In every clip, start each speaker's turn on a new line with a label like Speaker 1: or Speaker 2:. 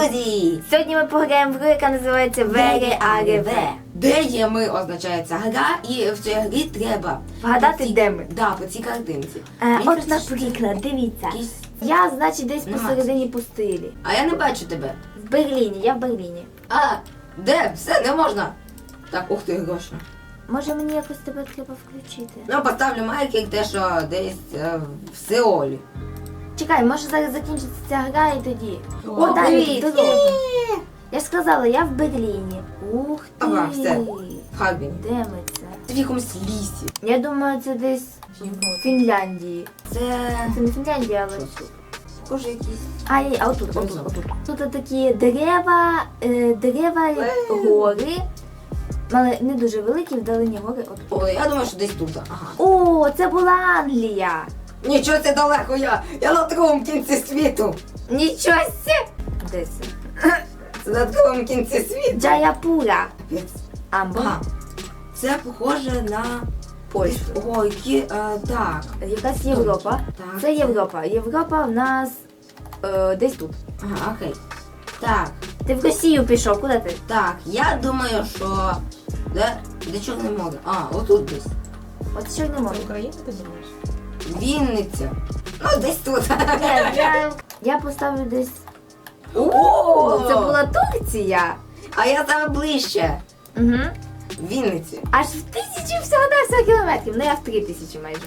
Speaker 1: Друзі!
Speaker 2: Сьогодні ми пограємо в гру, яка називається ВРАРВ.
Speaker 1: Де є ми означається гра, і в цій грі треба
Speaker 2: Вгадати, де ми.
Speaker 1: Да, по цій картинці.
Speaker 2: От,
Speaker 1: кажеться,
Speaker 2: наприклад, дивіться.
Speaker 1: якісь-
Speaker 2: Я, значить, десь
Speaker 1: Нема.
Speaker 2: посередині пустилі.
Speaker 1: А я не бачу тебе.
Speaker 2: В Берліні, я в Берліні.
Speaker 1: А, де? Все, не можна. Так, ух ти, гроші.
Speaker 2: Може мені якось тебе треба включити?
Speaker 1: Ну, поставлю майки, те, що десь в Сеолі.
Speaker 2: Чекай, може зараз закінчиться ця гра і тоді.
Speaker 1: О,
Speaker 2: далі,
Speaker 1: привіт!
Speaker 2: дорога. Я ж сказала, я в Берліні. Ух ти.
Speaker 1: Ага, все. В Харбіні.
Speaker 2: Де ми це?
Speaker 1: Це в якомусь лісі.
Speaker 2: Я думаю, це десь в Фінляндії.
Speaker 1: Це...
Speaker 2: Це не Фінляндія, але...
Speaker 1: Схоже якісь...
Speaker 2: А отут. Тут такі дерева, гори, але не дуже великі, вдалині гори. От.
Speaker 1: О, я думаю, що десь тут. Ага.
Speaker 2: О, це була Англія.
Speaker 1: Нічого, це далеко я на другому кінці світу.
Speaker 2: Нічого сі. Де це?
Speaker 1: Це на другому кінці світу.
Speaker 2: Джаяпура. Амбо.
Speaker 1: Ага. Це похоже на
Speaker 2: Польщу.
Speaker 1: О, які, так.
Speaker 2: Якась Європа.
Speaker 1: Так.
Speaker 2: Це Європа. Європа в нас десь тут.
Speaker 1: Ага, окей. Так,
Speaker 2: Ти в Росію пішов, куди ти?
Speaker 1: так, я думаю, що... Де Чорне море? А, отут десь.
Speaker 2: От що не можу.
Speaker 3: Україна, ти думаєш?
Speaker 1: Вінниця. Ну, десь тут.
Speaker 2: Я поставлю десь.
Speaker 1: О,
Speaker 2: Це була Турція.
Speaker 1: А я саме ближче.
Speaker 2: Угу.
Speaker 1: Вінниці.
Speaker 2: Аж в 1000 всього кілометрів. Ну я в 3000 майже.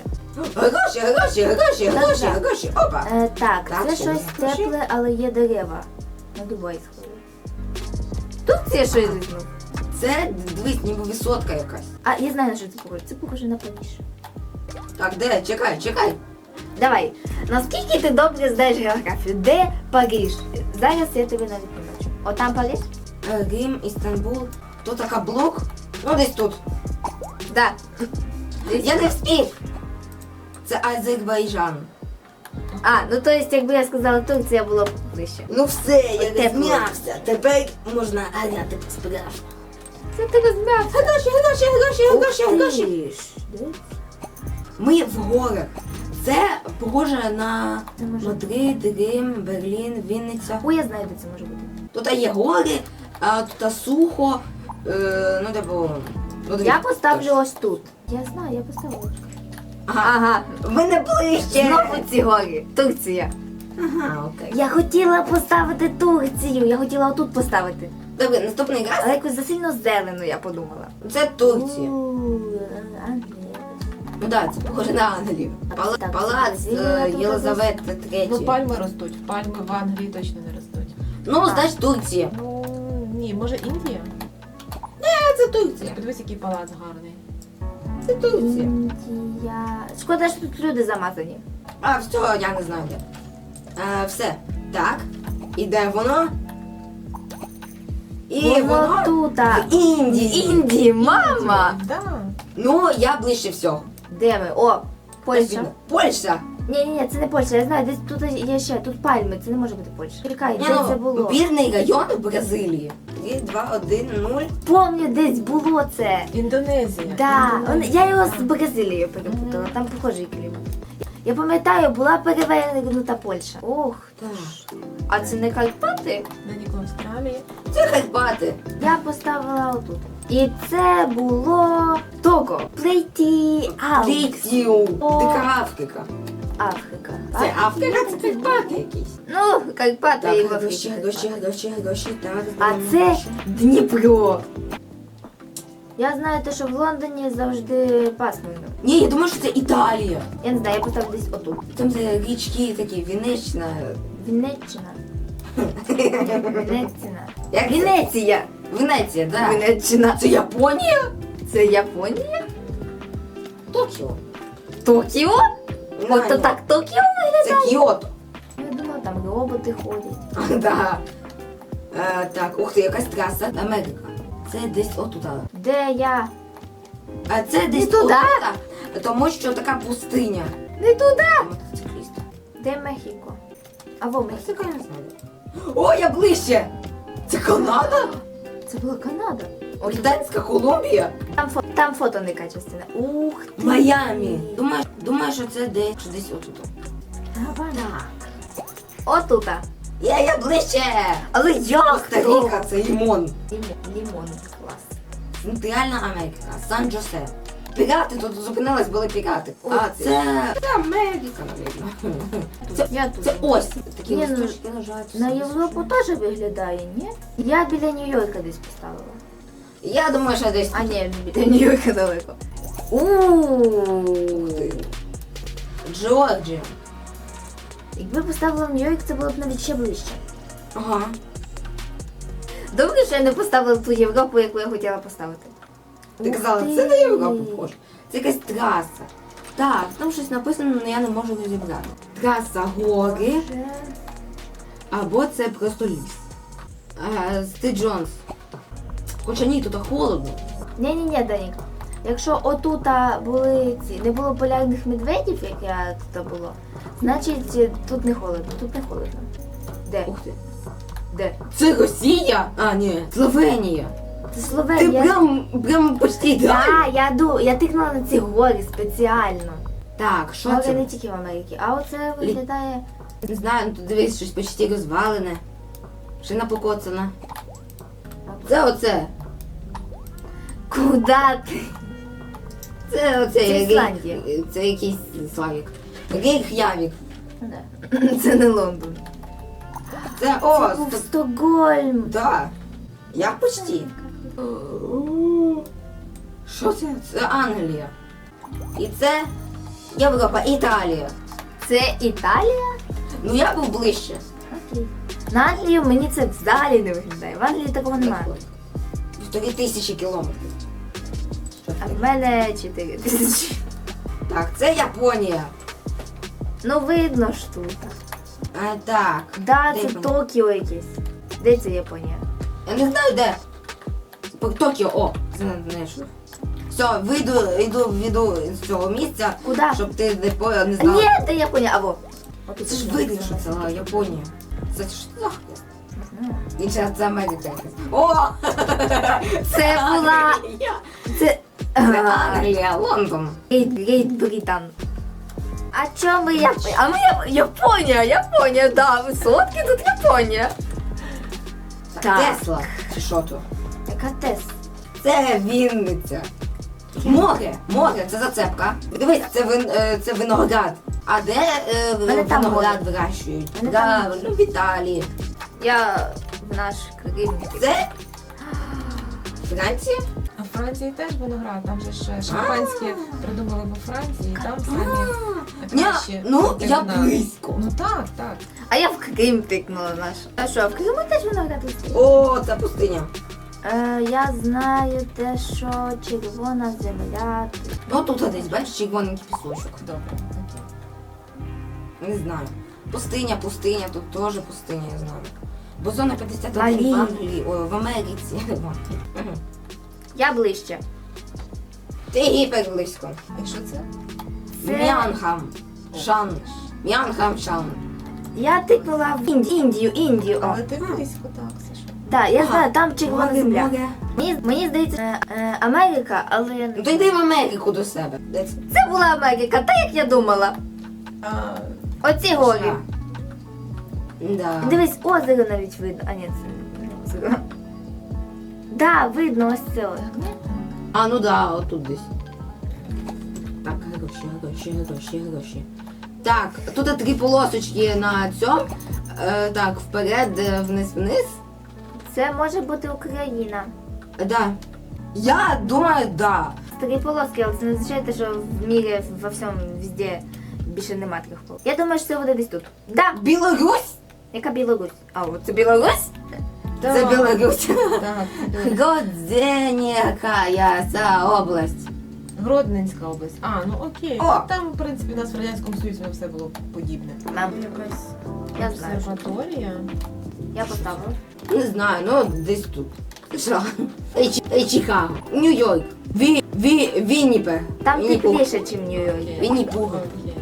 Speaker 1: Гроші. Опа.
Speaker 2: Так,
Speaker 1: Так,
Speaker 2: це
Speaker 1: що
Speaker 2: щось
Speaker 1: ви?
Speaker 2: тепле, але є дерева. На Дубай схоже. Тут це щось лизнув.
Speaker 1: Це, дивись, ніби висотка якась.
Speaker 2: А я знаю, на що це похоже. Це похоже на Париж.
Speaker 1: Так, де? Чекай.
Speaker 2: Давай. Наскільки ти добре знаєш географію? Де Париж? Зараз я тобі навіть не бачу. Отам Париж?
Speaker 1: Рим, Істанбул. Тут така блок. Ну, десь тут.
Speaker 2: Да.
Speaker 1: Я не встиг. Це Азербайджан.
Speaker 2: Ну то есть, якби я сказала Турція, було б ближче.
Speaker 1: Ну все, я
Speaker 2: Тепло.
Speaker 1: розм'явся. Тепер можна ганяти по-справжньому.
Speaker 2: Це ти розм'явся.
Speaker 1: Гроші. Ми в горах. Це похоже на
Speaker 2: Це може
Speaker 1: Мадрид, Рим, Берлін, Вінниця.
Speaker 2: Ой, я знаю, де це може бути.
Speaker 1: Тут є гори, а тут сухо. Ну, типу... ну,
Speaker 2: Я поставлю ось тут. Я знаю, я поставила.
Speaker 1: Ага. В мене ближче.
Speaker 2: Знову ці гори. Турція.
Speaker 1: Ага, окей.
Speaker 2: Я хотіла поставити Турцію. Я хотіла отут поставити.
Speaker 1: Добре, наступний раз.
Speaker 2: Але якось засильно зелено, я подумала.
Speaker 1: Це Турція.
Speaker 2: Англія.
Speaker 1: Ну так, це похоже на Англію.
Speaker 2: Так,
Speaker 1: Палац
Speaker 2: Бразилія тут
Speaker 1: Єлизавети
Speaker 3: Ну,
Speaker 1: III.
Speaker 3: пальми ростуть. Пальми в Англії точно не ростуть.
Speaker 1: Ну, значить Турція.
Speaker 3: Ну, ні, може Індія?
Speaker 1: Це Турція.
Speaker 3: Подивись, який палац гарний.
Speaker 1: Це Турція.
Speaker 2: Індія. Шкода, що тут люди замазані.
Speaker 1: А, все, я не знаю де. Все. Так. І де воно? І воно
Speaker 2: тут.
Speaker 1: в Індії.
Speaker 2: Індії, мама!
Speaker 3: Да.
Speaker 1: Ну, я ближче всього.
Speaker 2: Де ми? О, Польща.
Speaker 1: Польща.
Speaker 2: Ні, це не Польща, я знаю, десь тут є ще, тут пальми, це не може бути Польща. Чекай,
Speaker 1: Ні,
Speaker 2: де це
Speaker 1: ну,
Speaker 2: було?
Speaker 1: бірний район в Бразилії. 3, 2, 1, 0.
Speaker 2: Помню, десь було це.
Speaker 3: Індонезія.
Speaker 2: Да,
Speaker 3: Індонезія.
Speaker 2: я його з Бразилією перепутала, там похожий клімат. Я пам'ятаю, була перевернута Польща. Ох,
Speaker 1: Так.
Speaker 2: а це не Карпати?
Speaker 3: На Ніко Австралії.
Speaker 1: Це Карпати.
Speaker 2: Я поставила отут. І це було Того. Плейті
Speaker 1: Літію.
Speaker 2: О.
Speaker 1: Дика Африка.
Speaker 2: Африка.
Speaker 1: Це Африка, це Карпати якісь.
Speaker 2: Ну, Карпати і в
Speaker 1: Так,
Speaker 2: Африці.
Speaker 1: гроші, так.
Speaker 2: А
Speaker 1: здаємо
Speaker 2: це
Speaker 1: гроші.
Speaker 2: Дніпро. Я знаю те, що в Лондоні завжди пасмурно.
Speaker 1: Ні, я думаю, що це Італія.
Speaker 2: Я не знаю, я поставлю десь отут.
Speaker 1: Там де річки такі, Вінниччина.
Speaker 2: Вінниччина. Вінниччина.
Speaker 1: Як це?
Speaker 2: Венеція.
Speaker 1: Венеція, так.
Speaker 2: Вінниччина.
Speaker 1: Це Японія?
Speaker 2: Це Японія?
Speaker 1: Токіо.
Speaker 2: Токіо? Ото так Токіо виглядає?
Speaker 1: Це Кіото.
Speaker 2: Я думала, там роботи ходять.
Speaker 1: Да. Так, ух ти, якась траса. Америка. Це десь отут.
Speaker 2: Де я?
Speaker 1: А це десь
Speaker 2: туди?
Speaker 1: отут, тому що така пустиня.
Speaker 2: Не туди.
Speaker 1: Мотоцикліст.
Speaker 2: Де Мехіко? Або Мехіко.
Speaker 1: Це, я не знаю. О, я ближче! Це Канада?
Speaker 2: Це була Канада.
Speaker 1: Британська Колумбія?
Speaker 2: Там фото не качественне. Ух ти.
Speaker 1: Майамі. Думаю, що це десь отут.
Speaker 2: Так. Отута.
Speaker 1: Я ближче!
Speaker 2: Але як?
Speaker 1: Коста-Ріка, це лімон.
Speaker 2: Лімон, клас.
Speaker 1: Центральна Америка, Сан-Джосе. Пірати тут зупинились, були пірати.
Speaker 2: Ух
Speaker 1: А
Speaker 2: ти.
Speaker 1: це Америка, навіть.
Speaker 2: Я тут.
Speaker 1: Це ось такі
Speaker 2: Ні, ну,
Speaker 1: листочки лежать.
Speaker 2: На Європу теж виглядає, ні? Я біля Нью-Йорка десь поставила.
Speaker 1: Я думаю, що десь.
Speaker 2: А ні, біля Нью-Йорка далеко. Ууу.
Speaker 1: Джорджія.
Speaker 2: Якби поставила в Нью-Йорк, це було б навіть ще ближче.
Speaker 1: Ага.
Speaker 2: Добре, що я не поставила ту Європу, яку я хотіла поставити.
Speaker 1: Ти
Speaker 2: Ух
Speaker 1: казала,
Speaker 2: ти.
Speaker 1: це не Європа схоже. Це якась траса. Так, там щось написано, але я не можу розібрати. Траса гори,
Speaker 2: Боже.
Speaker 1: або це просто ліс. Сти Джонс. Хоча ні, тут холодно.
Speaker 2: Ні, Данік. Якщо отута були ці, не було полярних медведів, як я тут було, значить тут не холодно. Тут не холодно. Де?
Speaker 1: Ух ти.
Speaker 2: Де?
Speaker 1: Це Росія? А, ні, Словенія.
Speaker 2: Це
Speaker 1: Ти
Speaker 2: Словенія.
Speaker 1: прям почти так.
Speaker 2: Я тикнула на ці гори спеціально.
Speaker 1: Так, що
Speaker 2: Гори
Speaker 1: це?
Speaker 2: не тільки в Америці, а оце виглядає.
Speaker 1: Не знаю, ну тут дивись, щось почти розвалене. Шина покоцана. Це оце.
Speaker 2: Куда ти?
Speaker 1: Це оце.
Speaker 2: Це Ісландія.
Speaker 1: Це якийсь Славік. Рейх'явік.
Speaker 2: Це не Лондон.
Speaker 1: Це
Speaker 2: Це був Стокгольм.
Speaker 1: Да. Я почти. Що це? Це Англія. І це Європа, Італія.
Speaker 2: Це Італія?
Speaker 1: Ну я був ближче.
Speaker 2: Окей. На Англію мені це взагалі не виглядає. В Англії такого немає.
Speaker 1: 3000 кілометрів. Що
Speaker 2: А
Speaker 1: це?
Speaker 2: в мене 4000.
Speaker 1: Так, це Японія.
Speaker 2: Ну видно ж тут.
Speaker 1: Так.
Speaker 2: Да,
Speaker 1: Де
Speaker 2: це
Speaker 1: Японія?
Speaker 2: Токіо якесь. Де це Японія?
Speaker 1: Я не знаю де. Токіо, о, знайшов. Все, вийду з цього місця,
Speaker 2: Куди?
Speaker 1: щоб ти не знала.
Speaker 2: Ні, де Японія, або.
Speaker 1: Це ж видно, що це Японія. Це ж захист. Інша це Америка якась. О!
Speaker 2: Це була.
Speaker 1: Англія.
Speaker 2: Це.
Speaker 1: Це Англія, Лондон.
Speaker 2: Гейт Британ. А чому ми Японія? А ми Японія, да, висотки тут Японія. Так.
Speaker 1: Тесла. Чи що то?
Speaker 2: Яка Тес?
Speaker 1: Це Вінниця. Море, це зацепка. Дивись, це виноград. А де
Speaker 2: Мене там
Speaker 1: виноград
Speaker 2: море.
Speaker 1: вирощують?
Speaker 2: Мене там
Speaker 1: Правильно, в Італії.
Speaker 2: Я в наш Крим.
Speaker 1: Це Франція?
Speaker 3: А в Франції теж виноград, там же ж шампанське придумали во Франції, і там самі
Speaker 1: Ні,
Speaker 3: кращі.
Speaker 1: ну
Speaker 3: сорти
Speaker 1: я
Speaker 3: вина.
Speaker 1: близько.
Speaker 3: Ну так, так.
Speaker 2: А я в Крим тикнула наш. А що, в Криму теж виноград росте?
Speaker 1: О, це пустиня.
Speaker 2: Я знаю те, що червона земля.
Speaker 1: Ну тут десь, бачиш, червоненький пісочок.
Speaker 3: Добре, окей.
Speaker 1: Не знаю. Пустиня, тут теж пустиня, я знаю. Бо зона 51
Speaker 2: Малі.
Speaker 1: в Англії, ой, в Америці. Мгм.
Speaker 2: Я ближче.
Speaker 1: Ти гіпер близько.
Speaker 3: І що це?
Speaker 2: Це-
Speaker 1: М'янхам. Шан. М'янхам Шан.
Speaker 2: Я тикнула в Індію. О.
Speaker 3: Але ти близько, так, Саша.
Speaker 2: Так, я
Speaker 1: Ага.
Speaker 2: знаю, там червона
Speaker 1: Море,
Speaker 2: земля.
Speaker 1: море.
Speaker 2: Мені здається, Америка, але я
Speaker 1: Ну
Speaker 2: не
Speaker 1: то йди в Америку до себе. Де це?
Speaker 2: Це була Америка, так як я думала.
Speaker 3: А,
Speaker 2: Оці горі.
Speaker 1: Да.
Speaker 2: Дивись, озеро навіть видно. А ні, це не озеро. Да, видно ось це озеро.
Speaker 1: А, ну да, отут десь. Так, гроші. Так, тут 3 полосочки на цьому. Так, вперед, вниз.
Speaker 2: Це може бути Україна.
Speaker 1: Да. Я думаю, да.
Speaker 2: 3 полоски, але це не означає, те, що в мірі во всьому везде більше нема 3 полосок. Я думаю, що це буде десь тут. Да,
Speaker 1: Білорусь?
Speaker 2: яка Білорусь? А, от це Білорусь?
Speaker 1: Це Білорусь.
Speaker 3: так, це
Speaker 1: Гродзенська ця область.
Speaker 3: Гродненська область. А, ну окей.
Speaker 1: О!
Speaker 3: Там, в принципі, у нас в Радянському Союзі все було подібне.
Speaker 2: Мам,
Speaker 3: Якась
Speaker 2: я знаю.
Speaker 3: обсерваторія.
Speaker 2: Я поставила.
Speaker 1: Не знаю, ну десь тут. Що? Чикаго. Нью-Йорк. Вінніпер.
Speaker 2: Там тепліше, ніж в Нью-Йорку.
Speaker 1: Вінні-Пух.
Speaker 3: Окей.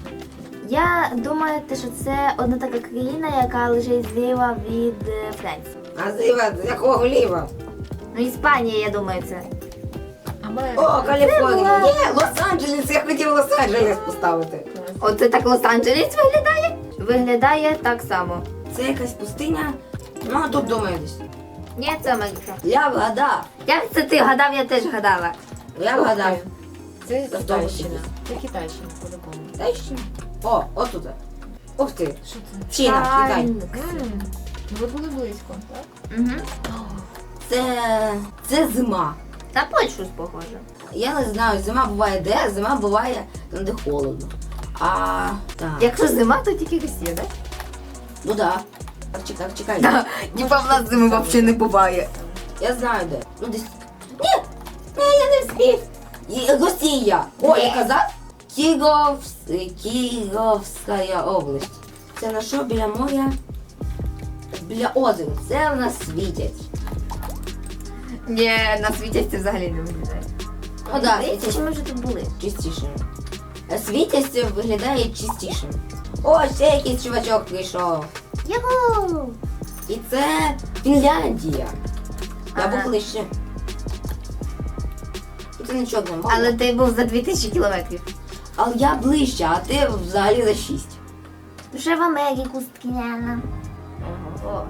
Speaker 2: Я думаю, те, що це одна така країна, яка лежить зліва від Франції.
Speaker 1: А зліва, з якого ліва?
Speaker 2: Ну, Іспанія, я думаю, це.
Speaker 3: Америка.
Speaker 1: О, Каліфорнія.
Speaker 2: була-
Speaker 1: Є, Лос-Анджелес, я хотів Лос-Анджелес поставити.
Speaker 2: Оце так Лос-Анджелес виглядає? Виглядає так само.
Speaker 1: Це якась пустиня. Ну, а тут думаю десь.
Speaker 2: Ні, це Америка.
Speaker 1: Я вгадав.
Speaker 2: Як це ти гадав, я теж гадала.
Speaker 1: Я вгадав.
Speaker 3: Це
Speaker 1: Це
Speaker 3: Китайщина.
Speaker 1: автобус.
Speaker 3: Це Китайщина, по-любому.
Speaker 1: Китайщина? О, отут. Ух ти.
Speaker 3: Що це?
Speaker 1: Чина, Китай.
Speaker 3: Ну, ви були близько, так?
Speaker 2: Угу.
Speaker 1: Це зима.
Speaker 2: На Польщу похоже.
Speaker 1: Я не знаю, зима буває де, зима буває там, де холодно. А, так.
Speaker 2: Якщо зима, то тільки Росія, так?
Speaker 1: Ну да. Так, чекай.
Speaker 2: Ніби в нас зими взагалі не буває.
Speaker 1: Я знаю де. Ну десь. Ні, я не встиг. Росія. О, я казав? Кіровська область. Це на що біля моря? Біля озера. Це в нас світять.
Speaker 2: Ні, на світі це взагалі не виглядає.
Speaker 1: Ну да,
Speaker 2: Здається,
Speaker 1: світять
Speaker 2: що ми вже тут були.
Speaker 1: чистішим. Світясь виглядає чистішим. О, ще якийсь чувачок прийшов.
Speaker 2: Його!
Speaker 1: І це Фінляндія. Я
Speaker 2: Ага.
Speaker 1: був ближче. І це нічого не мало.
Speaker 2: Але ти був за 2000 кілометрів.
Speaker 1: Але я ближче, а ти взагалі за 6.
Speaker 2: Вже в Америку скиняла. Ого.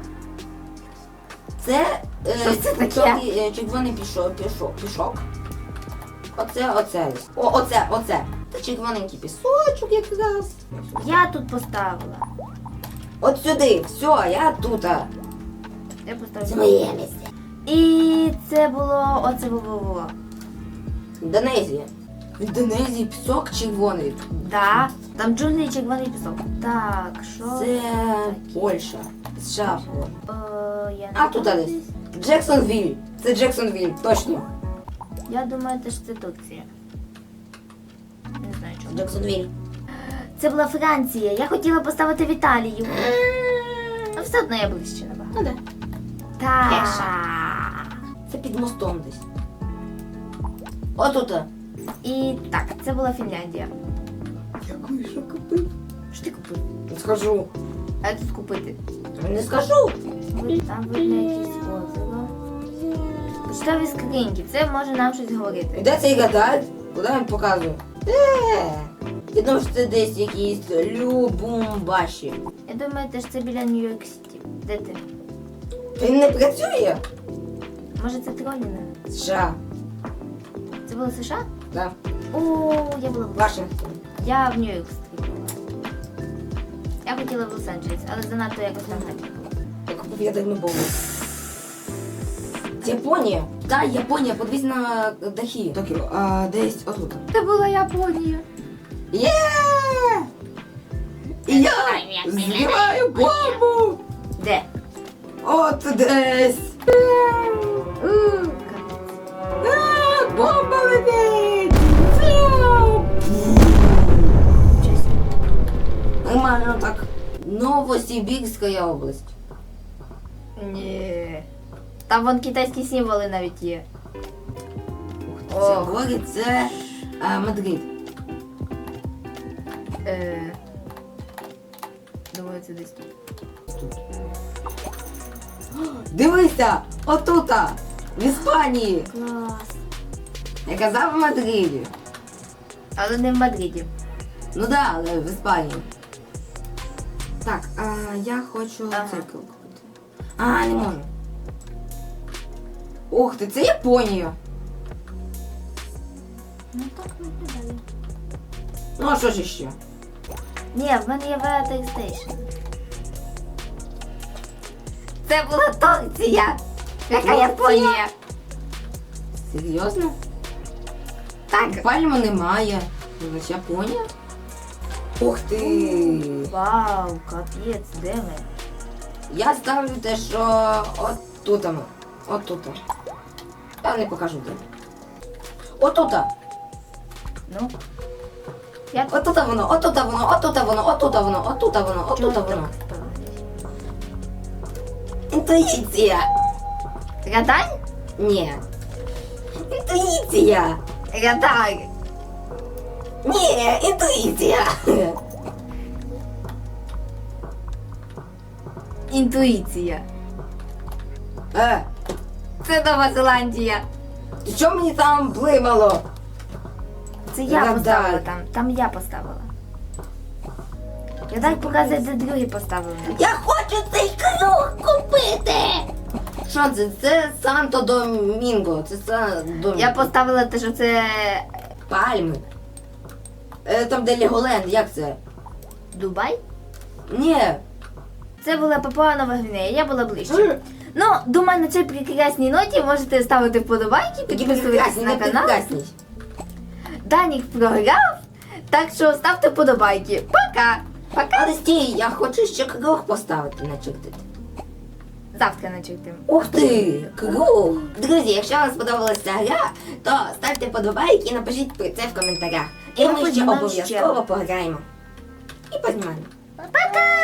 Speaker 1: Це
Speaker 2: Що це таке?
Speaker 1: червоний пішок. Оце. Оце. Це червоненький пісочок якраз.
Speaker 2: Я тут поставила.
Speaker 1: От сюди, все, я тут.
Speaker 2: Я
Speaker 1: Це
Speaker 2: поставила.
Speaker 1: моє місце.
Speaker 2: І це було. Оце було.
Speaker 1: Індонезія. В Індонезії пісок червоний.
Speaker 2: Да. Там джунглі і червоний пісок. Так, що?
Speaker 1: Це Польща. США.
Speaker 2: Я не
Speaker 1: А тут
Speaker 2: знаю.
Speaker 1: десь. Джексонвіль. Це Джексонвіль, точно.
Speaker 2: Я думаю, теж це Турція. Не знаю чому.
Speaker 1: Джексонвіль.
Speaker 2: Це була Франція. Я хотіла поставити в Італію. А все одно я ближче набагато.
Speaker 1: Ну да.
Speaker 2: Так.
Speaker 1: Це під мостом десь. Отут.
Speaker 2: І так, це була Фінляндія.
Speaker 1: Дякую, що купив.
Speaker 2: Що ти купив?
Speaker 1: Не скажу.
Speaker 2: А тут купити?
Speaker 1: Не скажу.
Speaker 2: Там видно якісь озеро. Поштові скриньки. Це може нам щось говорити.
Speaker 1: Де цей гадаль? Куди він показує? Де? Я думаю, що це десь якісь Любумбаші.
Speaker 2: Я думаю, теж це біля Нью-Йорк Сіті. Де ти?
Speaker 1: Він не працює?
Speaker 2: Може це Троліна?
Speaker 1: США.
Speaker 2: Це було США?
Speaker 1: Да.
Speaker 2: О, я була в
Speaker 1: Вашингтон.
Speaker 2: Я в Нью-Йорк Стріт була. Я хотіла в Лос-Анджелес, але занадто якось там так не було.
Speaker 1: Я купив, я давно був. Це Японія. Так, Японія, подивись на дахи. Токіо, десь отут.
Speaker 2: Це була Японія.
Speaker 1: Є! І я збиваю бомбу!
Speaker 2: Де?
Speaker 1: От десь! Бомба летить! Нормально так. Новосибірська область.
Speaker 2: Ні. Там вон китайські символи навіть є.
Speaker 1: Це город, це Мадрид.
Speaker 2: Думаю, це десь тут.
Speaker 1: Дивися! Отута! В Іспанії!
Speaker 2: Клас.
Speaker 1: Я казав в Мадриді.
Speaker 2: Але не в Мадриді.
Speaker 1: Ну да, але в Іспанії. Так, я хочу
Speaker 2: Ага.
Speaker 1: циркл купити. Не можу. Ух ти, це Японія.
Speaker 2: Ну так виглядає.
Speaker 1: Ну а що ж ще?
Speaker 2: Ні, в мене є Vertex Station. Це була Турція. Яка
Speaker 1: Турція?
Speaker 2: Японія?
Speaker 1: Серйозно?
Speaker 2: Так.
Speaker 1: Пальму немає. Значить Японія? Ух ти!
Speaker 2: Вау, капець, де ми?
Speaker 1: Я ставлю те, що отут. Отут. Я не покажу де. Отут.
Speaker 2: Ну? Як?
Speaker 1: Отут воно, отут воно, отут воно, отут воно, отут воно, отут
Speaker 2: Чого
Speaker 1: воно.
Speaker 2: так?
Speaker 1: Інтуїція.
Speaker 2: Гадай?
Speaker 1: Ні. Інтуїція.
Speaker 2: Гадай.
Speaker 1: Ні, інтуїція.
Speaker 2: Інтуїція.
Speaker 1: Е,
Speaker 2: Це Нова Зеландія.
Speaker 1: ти чого мені там блимало?
Speaker 2: Це я
Speaker 1: Гадай.
Speaker 2: поставила там. Там я поставила. Гадай показує, де другі поставили.
Speaker 1: Я хочу хочу цей круг купити. Що це? Це Санто Домінго. Це Домінго.
Speaker 2: Я поставила те, що це
Speaker 1: Пальми. Там де Леголенд, як це?
Speaker 2: Дубай.
Speaker 1: Ні.
Speaker 2: Це була Папуа Нова Гвінея, я була ближче. Ну, думаю, на цій прекрасній ноті можете ставити вподобайки,
Speaker 1: Такі
Speaker 2: підписуватись
Speaker 1: прекрасні,
Speaker 2: на
Speaker 1: не
Speaker 2: канал.
Speaker 1: прекрасні.
Speaker 2: Данік програв, так що ставте вподобайки. Пока! Пока!
Speaker 1: Але стій, я хочу ще круг поставити, начертити.
Speaker 2: Завтра начертим.
Speaker 1: Ух ти, круг! Друзі, якщо вам сподобалася гра, то ставте подобайки і напишіть про це в коментарях. І
Speaker 2: І
Speaker 1: ми ще
Speaker 2: познімаємо
Speaker 1: обов'язково пограємо. І познімаємо.
Speaker 2: Пока!